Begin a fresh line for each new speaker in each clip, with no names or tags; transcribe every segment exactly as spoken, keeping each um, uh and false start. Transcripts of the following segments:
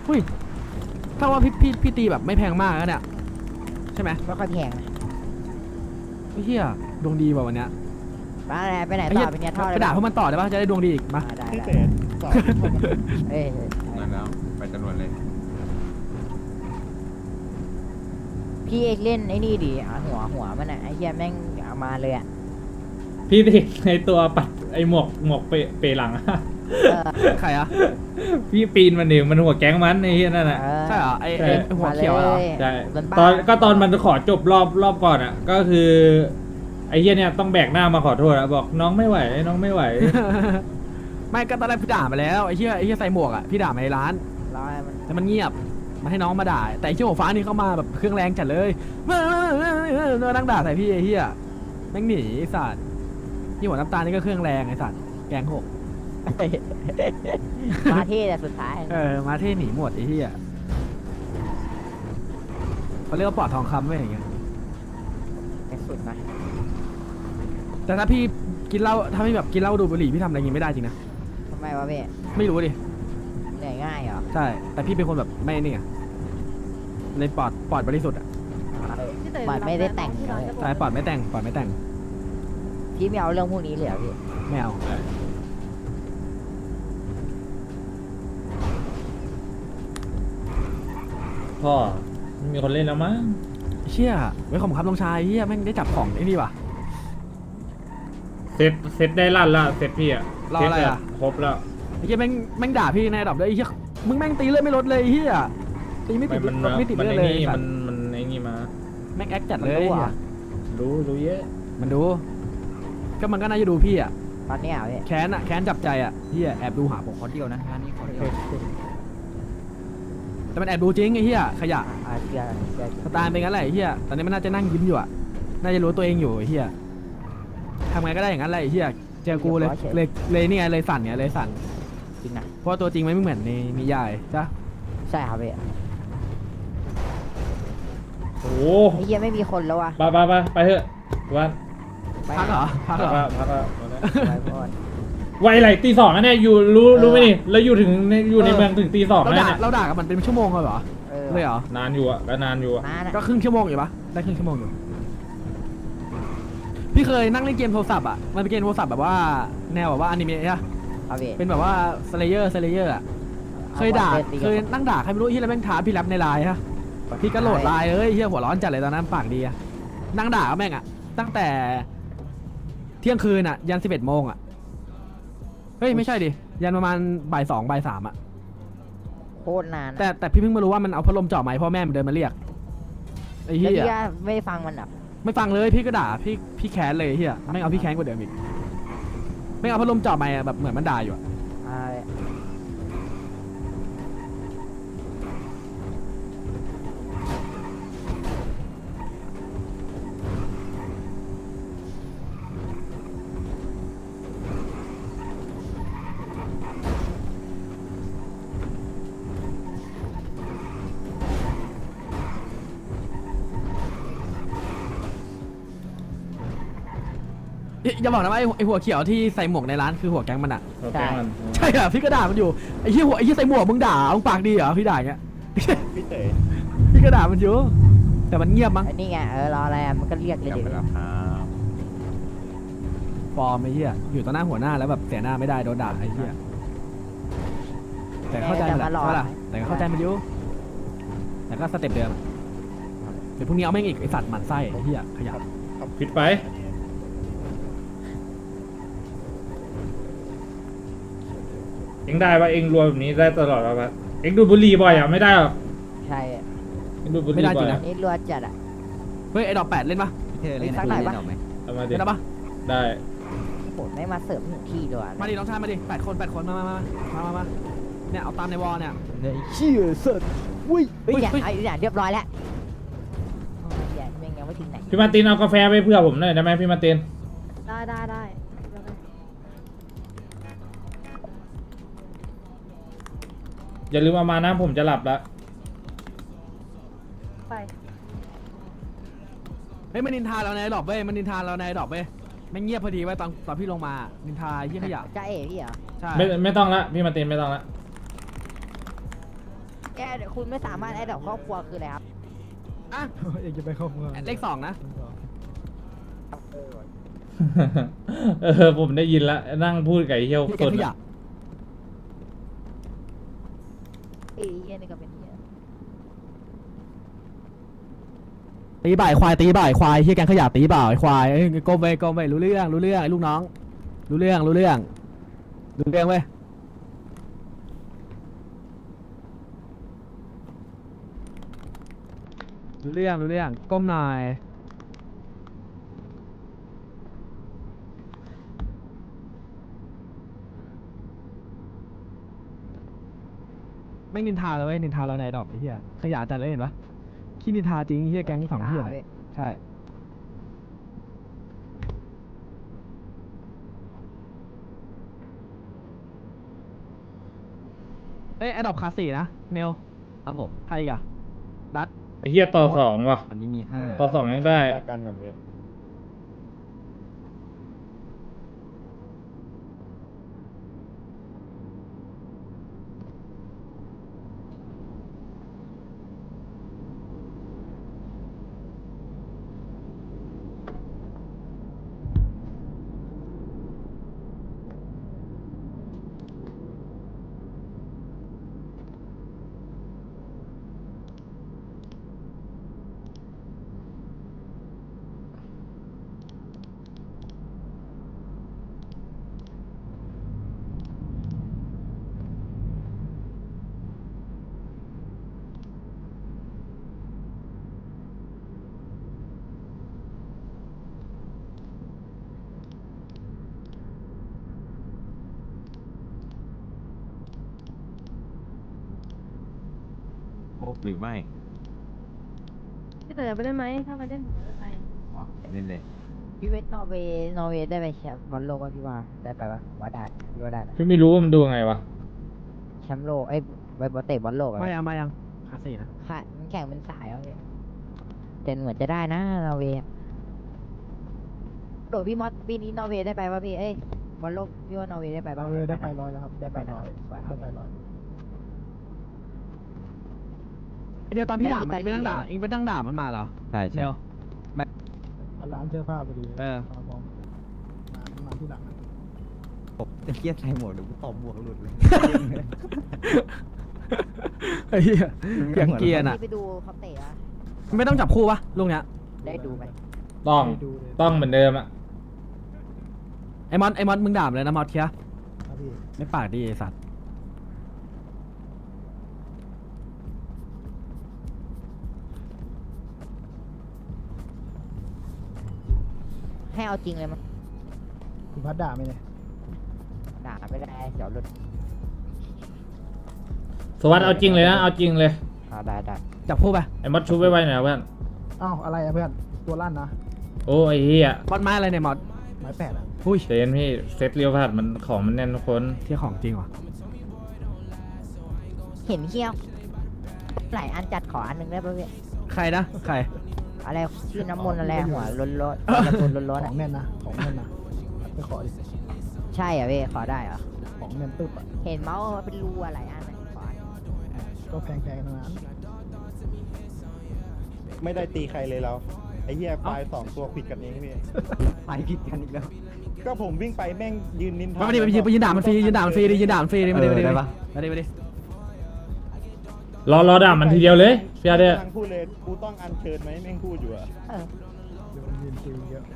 อุ้ยถ้าว่าพี่พี่พี่ตีแบบไม่แพงมากแล้วเนี่ยใช่ไหม
ไม่ค่อยแพง
ไอ้เหี้ยดวงดีว่ะวันเนี้ย
ไปไหนไปไหน
ไอ้
ต่
เหี้ย
อไปเนี่ยท่อ
ไปด่าพวกมันต่อได้ป่ะจะได้ดวงดีอีกมา
ได้
พี่
ได้
เต๋สอนเข้ามา
เอ้ย
นั่นแล้วไปจรวดเลย
พี่เอกเล่นไอ้นี่ดิหัวหัวมันอ่ะไอ้เหี้ยแม่งเอามาเลยอ่ะ
พี่ติดในตัวปัดไอหมวกหมวกเปเปหลังอะ
เออ
ใครอะ
พี่ปีนมันดิมันหัวแก๊งมันไอ้เหี้ยนั่นน่ะ
เออ
ใช่เหรอไอ้
ใช่
ไอ้หัวเขียวเหรอ
ใช่
มันบ้า
ตอนก็ตอนมันขอจบรอบรอบก่อนอ่ะ ก็คือไอ้เหี้ยเนี่ยต้องแบกหน้ามาขอโทษอะบอกน้องไม่ไหวน้องไม่ไหว
ไม่ก็ตอนแรกพี่ด่ามาแล้วไอ้เหี้ยไอ้เหี้ยใส่หมวกอะพี่ด่ามาในร้าน
รอให้มัน
แต่มันเงียบมาให้น้องมาด่าแต่ไอ้เชี่ยหัวฟ้านี่เข้ามาแบบเครื่องแรงจัดเลยเมื่อนั่งด่าใส่พี่ไอ้เหี้ยแม่งหนีไอ้สัตว์นี่หัวน้ำตาลนี่ก็เครื่องแรงไอ้สัตว์แกงหก
มาเท่แต่สุดท้าย
เออมาเท่หนีหมดไอ้เหี้ยเขาเรียกว่าปลอดทองคำไว้อย่างเงี้ย
แต่สุดนะ
แต่ถ้าพี่กินเหล้าถ้าไม่แบบกินเหล้าดูดบุหรี่พี่ทำอะไรอย่างงี้ไม่ได้จริงนะ
ทำไมวะพี่
ไม่รู้ดิ
เหนื่อยง่ายเหรอ
ใช่แต่พี่เป็นคนแบบไม่นี่ไงในปอดปอดบริสุทธิ์อ่ะ
บัตรไม่ได้แต่งเลย
ใช่ปอดไม่แต่งปอดไม่แต่ง
พี่ไม่เอาเรื่องพวกนี้เลยเหรอพี่
ไม่เอา
พ่อไม่มีคนเล่นแล้วมั้ง
เชี่ยไว้ขอบคุณครับน้องชายเฮียแม่งได้จับของไอ้นี่ว่ะ
เซตเซตได้ลั่นละเซตพี่อะ
รออะไรอะ
เซตครบแล้ว
ไอ้เฮียแม่งแม่งด่าพี่ในระดับเลยไอ้เฮียมึงแม่งตีเลือดไม่ลดเลยไอ้เฮียตีไม่ติด
มัน
ลดไม่ติด
มัน
เลือด
ไอ้
เลย
นี่
ไอ้สั
มั
ต
น
ว์
มันไอ้นี่มา
แม่งแอคจัดเลยไอ้เฮีย
รู้รู้เยอะ
มันดูก็มันก็น่าจะดูพี่อ่ะ
ตอนนี้เหรอพี่
แค้นอ่ะแค้นจับใจอ่ะเฮียแอบดูหาผม
ขอเดียวนะงานนี้ขอเดียว
แต่มันแอบดูจริงไอ้เฮียขยะ
อ่าเชื่อเชื่อ
สไตล์เป็นงั้นแหละไอ้เฮียตอนนี้มันน่าจะนั่งยิ้มอยู่อ่ะน่าจะรู้ตัวเองอยู่ไอ้เฮียทำไงก็ได้อย่างนั้นแหละไอ้เฮียเจอกูเลยเลยเลยนี่ไงเลยสั่นเนี่ยเลยสั่น
จริงนะ
เพราะว่าตัวจริงมันไม่เหมือนในนิยายจ้ะ
ใช่ครับพี่
โอ้โห
ไอ้เหี้ยไม่มีคนแล้ววะ
ไปไปไปไปเถอะวัน
ไป
พักเหรอพัก
พั
เหรอ
กพักพัก
ไปก่อน
ไวไหลตีสองนะเนี่ยอยู่รู้รู้ไหมนี่แล้วอยู่ถึงในอยู่ในเมืองถึงตีสอง
เรา
นะ
ด่า
เนี่ย
เราด่ากับมันเป็นชั่วโมงเลยเหรอ
เออ
เลยเหรอน
านอยู่อะก็นานอยู่อะ
นานอะ
ก็ครึ่งชั่วโมงอยู่ปะได้ครึ่งชั่วโมงอยู่พี่เคยนั่งเล่นเกมโทรศัพท์อ่ะมันเป็นเกมโทรศัพท์แบบว่าแนวแบบว่าอนิเมะอะ
ครับพี่
เป็นแบบว่าสเลเยอร์สเลเยอร์อ่ะเคยด่าเคยนั่งด่าใครไม่รู้ที่แล้วแม่งท้าพี่แรปในไลน์ฮะพี่ก็โหลดไลน์เลยเฮียหัวร้อนจัดเลยตอนนั้นปากดีอะนั่งด่ากับแม่งอ่ะตั้งแต่เที่ยงคืนอ่ะยันสิบเอ็ดโมงอ่ะเฮ้ยไม่ใช่ดิยันประมาณบ่ายสองบ่ายสามอ่ะ
โคตรนานอะ
แต่แต่พี่เพิ่งมารู้ว่ามันเอาพัดลมจ่อไม้พ่อแม่มันเดินมาเรียกไอ้
แล้ว
เหี้ย
พี่ก็ไม่ฟังมันอ่ะ
ไม่ฟังเลยพี่ก็ด่าพี่พี่แค้นเลยไอ้เหี้ยไม่งเอาพี่แค้นกว่าเดิมอีกไม่งเอาพัดลมจ่อไม้อะแบบเหมือนมันด่าอยู่อะ
อ่า
อย่าอย่าบอกนะว่าไอ้ไอ้หัวเขียวที่ใส่หมวกในร้านคือหัวแก๊งมันอะ
เราแกล้งมัน
ใช่อะพี่ก็ด่ามันอยู่ไอ้เหี้ยหัวไอ้เหี้ยใส่หมวกมึงด่ามึงปากดีเหรอพี่ด่าอย่างเงี้ย
พี่เต๋
พี่ก็ด่ามันอยู่แต่มันเงียบมั้ง
ไอ้นี่ไงเออรออะไรอะมันก็เรียกเลย
กลับ
ดิ
ไปแล้วครับ
ปลอมไอ้เหี้ยอยู่ต่อหน้าหัวหน้าแล้วแบบเสียหน้าไม่ได้โดนด่าไอ้เหี้ยแต่เข้าใจมันแหละใช่ปะล่ะแต่ก็เข้าใจมันอยู่แต่ก็สเต็ปเดิมอะเดี๋ยวพรุ่งนี้เอาแม่งอีกไอ้สัตว์หมันไส้ไอ้เหี้ยขยะ
ผิดไปเอ็งได้ปะเอ็งรวยแบบนี้ได้ตลอดปะเอ็งดูดบุหรี่บ่อยอ่ะไม่ได้หรอก
ใช่
เอ็งดูดบุหรี่บ่อยอะ
นี่รัวจัดอ่ะ
เฮ้ยไอ้ดอกแปดเล่นปะ
พี่เต๋เล่น
สักหน่อยปะ
เล่นออกไหม
เอามาดิ
เล่นได้ปะ
ได้
โหไม่มาเสิร์ฟถึงที่ด้วย
มาดิน้องชายมาดิแปดคนแปดคนมามามามามามาเนี่ยเอาตามในวอลเนี่ย
เชี่ยสัตว์อุ้ย
เฮ้ยอย่า
เฮ้ย
ไอ้เนี่ยเรียบร้อยแล้วโอ้ยอย่าแม่งยังไม่ถึงไหน
พี่มาร์ตินเอากาแฟไปเพื่อผมหน่อยได้ไหมพี่มาร์ติน
ได้ได้ได้
อย่าลืมเอามานะผมจะหลับแล้ว
ไป
เฮ้ยมันนินทาเราในดอกเว้ยมันนินทาเราในดอกเว้ยไม่งเงียบพอดีไว้ยตอนตอนพี่ลงมานินทาเยี่ยขยะ
จ้าเอ๋พี่เหรอ
ใช่
ไม่ไม่ต้องละพี่มาร์ตินไม่ต้องละ
แกคุณไม่สามารถแอดดอกครอบครัวคืออะไรครับ
อ่ะ
อยากจะไปเข้าเมือง
เลขสองนะ
เออผมได้ยินละนั่งพูดกับไอ้เหี้ยว
พี่
ส
แก
น
ขยะ
อะ
เอ้ยเหี้ยนี่ก็เป็นเหี้ย
ตีบ่ายควายตีบ่ายควายเฮียแกงขยะตีบ่ายควายเอ้ยก้มไปก้มไปรู้เรื่องรู้เรื่องไอ้ลูกน้อง รู้เรื่องรู้เรื่องรู้เรื่องเว้ยรู้เรื่องรู้เรื่องก้มหน่อยไม่นินทาเลยเว้ยนินทาเราในดอกไอ้เหี้ยขยะจัดเลยเห็นปะขี้นินทาจริงไอ้เหี้ยแก๊งสองเหี้ยเลยใช่เอ้ยแอดดอปคลาสสี่นะเนล
ครับผม
ใครอีกอะดัต
ไอ้เหี้ยต่อสองว่ะ
อันนี้มีห้า
ต่อสองยังได้
กันกับเวท
หรือไม่
พี่เต๋อไปได้ไหมถ้าไปเล่นไป
อ๋อเล่นเลย
พี่เวทนอร์เวย์นอร์เวย์ได้ไปแชมป์บอลโลกป่ะพี่ว่าได้ไปปะว่าได้พี่ว่าได้นะ
พี่ไม่รู้ว่ามันดูไงวะ
แชมป์โลกเอ้ยไปบอลเตะบอลโลกอะ
ไม่ยังไม่ยังคลาสสี่นะ
ค่ะมันแข่งเป็นสายเอาเลยแต่เหมือนจะได้นะนอร์เวย์โดดพี่มอสปีนี้นอร์เวย์ได้ไปป่ะพี่เอ้ยบอลโลกพี่ว่านอร์เวย์ได้ไปป่ะ
เราเลยได้ไปร้อยแล้วครับ
ได้ไปนะ
ได้ไปร้อย
ไอ้เดียวตอนพี่ด่ามันเองไปนั่งด่าเองไปนั่งด่ามันมาเหรอ
ใช่
เน
ใช่
ล
ร้านเสื้อผ้าพอดี
เออ
มองมามาที่หลัง
ผมจะเครียดใส่หมวกเดี๋ยวกูตบหมวกหลุดเลย
ไอ้เหี้ยเกลียงเกียร์น่ะ
พี่ไปดูเขาเตะอะ
ไม่ต้องจับคู่ปะลูกเนี้ย
ได้ดูไหม
ต้อง
ไปดูเลย
ต้องเหมือนเดิมอะ
ไอ้มอนไอ้มอนมึงด่ามันเลยนะมอสเคีย
ครับพี่
ไม่ปากดีไอ้สัตว์
ให้เอาจริงเลยมั้ง
คุณพัดด่าไหมเนี่ย
ด่าไม่ได้เดี๋ยวหลุด
สวัสดเอาจริงเลยนะเอาจริงเลย
อ่าได้ได้
จับคู่ไป
ไอ้มดชุบไว้ไว้หน่อยเพื่อน
อ้าวอะไรอะเพื่อนตัวลั่นนะ
โอ้ไอ้เหี้ย
มอสไม้อะไรเนี่ยมอส
ไม้แปดอะ
อุ้ย
เจนพี่เซตเรียวพัดมันของมันแน่นทุกคน
เที่ยของจริงว่ะ
เห็นเขี้ยวหลายอันจัดขออันหนึ่งได้ป่ะพี่
ใครนะใคร
อะไรชื่อน้ำมนต์อะไรหัวล้นล้นๆการะตูนล้นล้น
ข
ๆ
อ
อะ
งแน่นนะของแน่นนะไปขอดิ
ใช่เหรอพี่ขอได้เหรอ
ของแน่นตึ๊บอะ
เห็นเมาส์ว่าเป็นรูอะไรอันไหนขอ
ก็แพงๆทั้งนั้น
ไม่ได้ตีใครเลยเรา ไอ้เหี้ยควายสองตัวผิดกันเองพี่
ไปผิดกันอีกแล้ว
ก็ผมวิ่งไปแม่งยืนนินทา
มาดิไปยืนไปยืนด่ามันฟรียืนด่ามันฟรีดิยืนด่ามันฟรีดิมาดิมาดิ
เออได้ปะ
มาดิมาดิ
รอรอด่ามันทีเดียวเลยพี่อาเด้
ทางพูดเลยกูต้องอัญเชิญไหมแม่งพูดอยู่อะ
เออ
เดี๋ยวมันยืนคุยเยอะ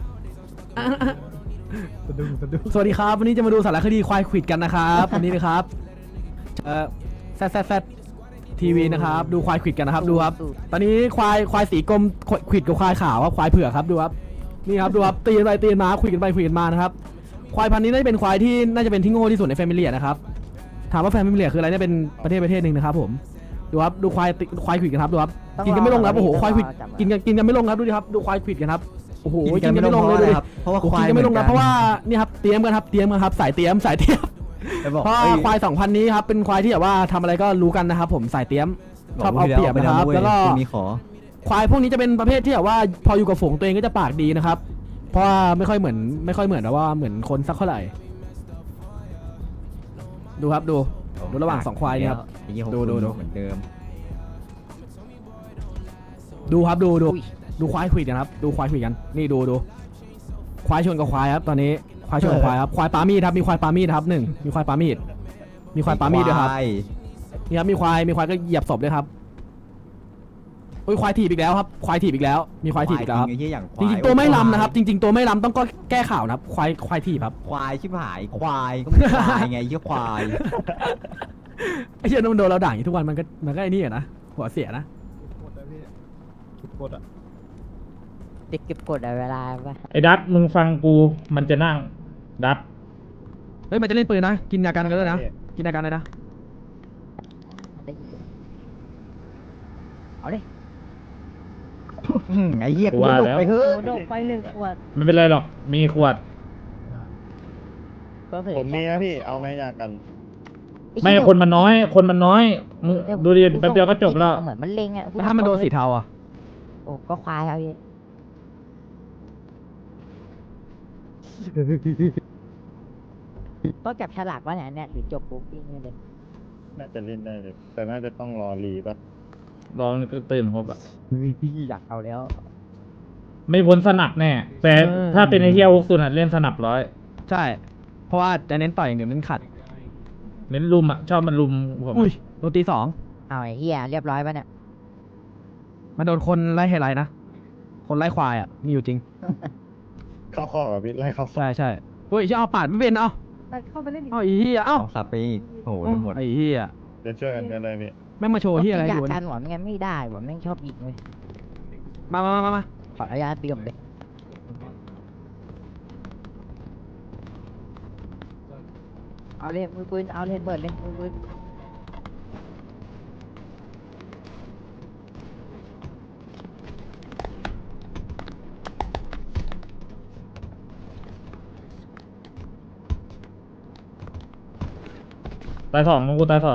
สะดุ้งสะดุ้ง
สวัสดีครับวันนี้จะมาดูสารคดีควายขวิดกันนะครับวันนี้นะครับเอ่อแซดแซดแซดทีวีนะครับดูควายขวิดกันนะครับดูครับ ตอนนี้ควายควายสีกรมขวิดกับควายขาวครับควายเผือกครับดูครับนี่ครับดูครับตีนไปตีนมาขวิดกันไปขวิดกันมานะครับควายพันธุ์นี้น่าจะเป็นควายที่น่าจะเป็นที่โง่ที่สุดในแฟมิเลียนะครับถามว่าแฟมิเลียคืออะไรเนี่ยเป็นประเทศประเทศหนึ่งนะครับผมดูครับดูควายติควายขวิดกันครับดูครับกินกันไม่ลงครับโอ้โหควายขวิดกินกันกินกันไม่ลงครับดูดิครับดูควายขวิดกันครับโอ้โหกินกันไม่ลงเลยดูดิ
เพราะว่าควาย
กินกันไม่ลงนะเพราะว่านี่ครับเตรียมกันครับเตรียมกันครับสายเตรียมสายเตรียม
จะบอก
เพราะว่าควายสองพันนี้ครับเป็นควายที่แบบว่าทำอะไรก็รู้กันนะครับผมสายเตรียมชอบเอาเปรียบนะครับแล้วก็
มีขอ
ควายพวกนี้จะเป็นประเภทที่แบบว่าพออยู่กับฝูงตัวเองก็จะปากดีนะครับ เพราะว่าไม่ค่อยเหมือนไม่ค่อยเหมือนนะว่าเหมือนคนสักเท่าไหร่ดูครับดูดูระหว่างสองควายเนี่ยครับ ดูดูดู
เหมือนเดิม
ดูครับดูดู
อุ้ย
ดูควายคุยกันครับดูควายคุยกันนี่ดูดูควายชนกับควายครับตอนนี้ควายชนกับควายครับควายปามีดครับมีควายปามีดครับหนึ่งมีควายปามีดมีควายปามีดด้วยครับ
ไอ้
นี่ครับมีควายมีควายก็เหยียบศพด้วยครับโอ้ยควายถีบอีกแล้วครับควายถีบอีกแล้ว มีควายถีบอีกแล้วครับ
ไอ้เหี้ยอย่างควา
จ
ย
ริงๆตัวไม่ลำนะครับ จริง ๆ ตัวไม่ลำต้องก็แก้ข่าวนะครับควายควายถีบครับ
ควายชิบหายควายก็ไม่ควายไงไอ้เหี้ยควาย
ไอ้เชี่ยนมันโดนเราด่าอย่างนี้ทุกวันมันก็มันก็ไอ้นี่อะนะหัวเสียนะ
กดอะพี่กดอะ
เด็กเก็บกดอะเวลาปะ
ไอ้ดัตมึงฟังกูมันจะนั่งดัต
เฮ้ยมันจะเล่นปืนนะกินยากันกันด้วยนะกินยากันเลยนะ
เอาดิ
อืมไอ้เหี้ยกู
ว่า
หลบ
แล้ว
ไปเถอะ
โอ้โดดไปหนึ่งขวด
ไม่เป็นไรหรอกมีขวด
ก็เผย
ผมมีนะพี่เอาไหมอยากกัน
ไม่คนมันน้อย คนมันน้อยมึงดูดิแป๊บเดียวก็จบแล้ว
เหมือนมันเล็งอะ
แล้วถ้ามันโดนสีเทาอ่ะ
โอ้ก็ควายครับพี่ต้องจับฉลากวะเนี่ยเนี่ยหรือจบปุ๊บปิ้งเลย
น่าจะเล่นได้เลยแต่น่าจะต้องรอรีป่ะ
ลองตื่นครบอะ
พี่อยากเอาแล้ว
ไม่พ้นสนับแน่ แต่ถ้าเป็นไอ้เฮียวุกสุนอะเล่นสนับร้อย
ใช่ เพราะว่าจะเน้นต่อยอย่างเดียวเน้นขัด
เน้นลุมอะชอบมันลุมผม
อุ้ยโดนตีสอง
เอาไอ้เหี้ยเรียบร้อยปะเนี่ย
มันโดนคนไล่ไฮไลท์นะ คนไล่ควายอ่ะ มีอยู่จริง
เข้าข้อกับพี่ไล่เข้าข้อ
ใช่ใช่เฮ้ยจะเอาปาดไม่เป็นเอา
แต่เข้าไปเล่นอีก
เอาอีเหี้ยเอ้า
เอาสับไปอีกโอ้โหทั้งหมด
ไอ้เหี้ย
เดี๋ยวช่วยกันกันเลยพี่
แม่งมาโชว์เหี้ยอะไร
อยา
อก ยู่
กา
เนี่ย
รหวานงั้นไม่ได้หวานแม่งชอบยิงเลย
มามามามา
ขออนุญาตเบี่ยมเลยเอาเลยมือปืนเอาเลยเบิดเลยมือปืน
ตายสองกูตายสอง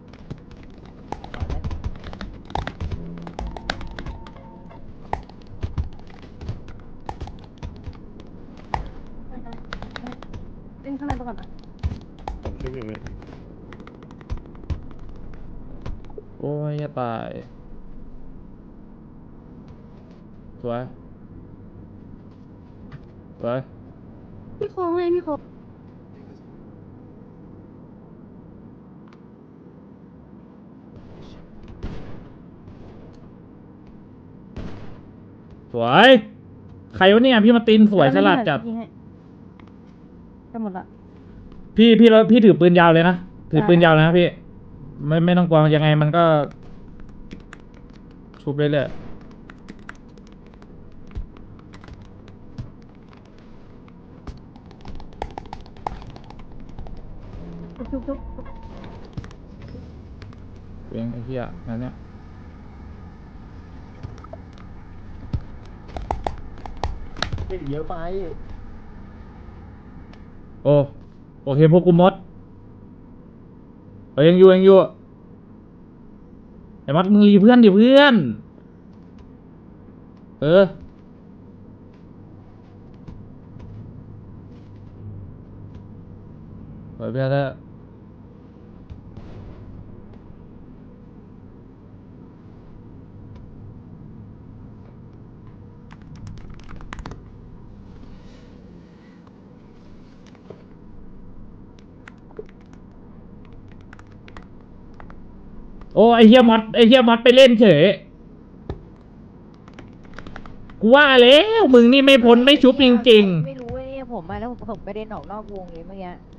เล่นข้างในไปก่อนนะ
ผมช่วยอยู่พี่
โอ้ยจะตาย สวย สวย
พี่โค้งเลยพี่โค้ง
สวย ใครวะเนี่ยพี่มาตินสวยฉลาดจัด
ยิงให้จะหมดละ
พี่พี่แล้วพี่ถือปืนยาวเลยนะ ถือปืน
ได้
ยาวเลยนะพี่ ไม่ไม่ต้องกลัวยังไงมันก็ ชุบเรื่อย
จุ๊บจุ๊บจุ๊บ
ๆเวียงไอ้เหี้ยนั่นเนี่ย
เยอะไป
โอ้โอเคพวกกูมดเอ้ยยังอยู่ยังอยู่ไอ้มัดมึงรีเพื่อนดิเพื่อน เออเปิดเพื่อนแล้วโอ้ไอเฮียมอดไอเฮียมอดไปเล่นเฉยกูว่าแล้วมึงนี่ไม่พ้นไม่ชุบจริง
ไม่รู้เว้ยผมมาแล้วผมไม่ได้ออกนอกวงเลยเมื่อกี้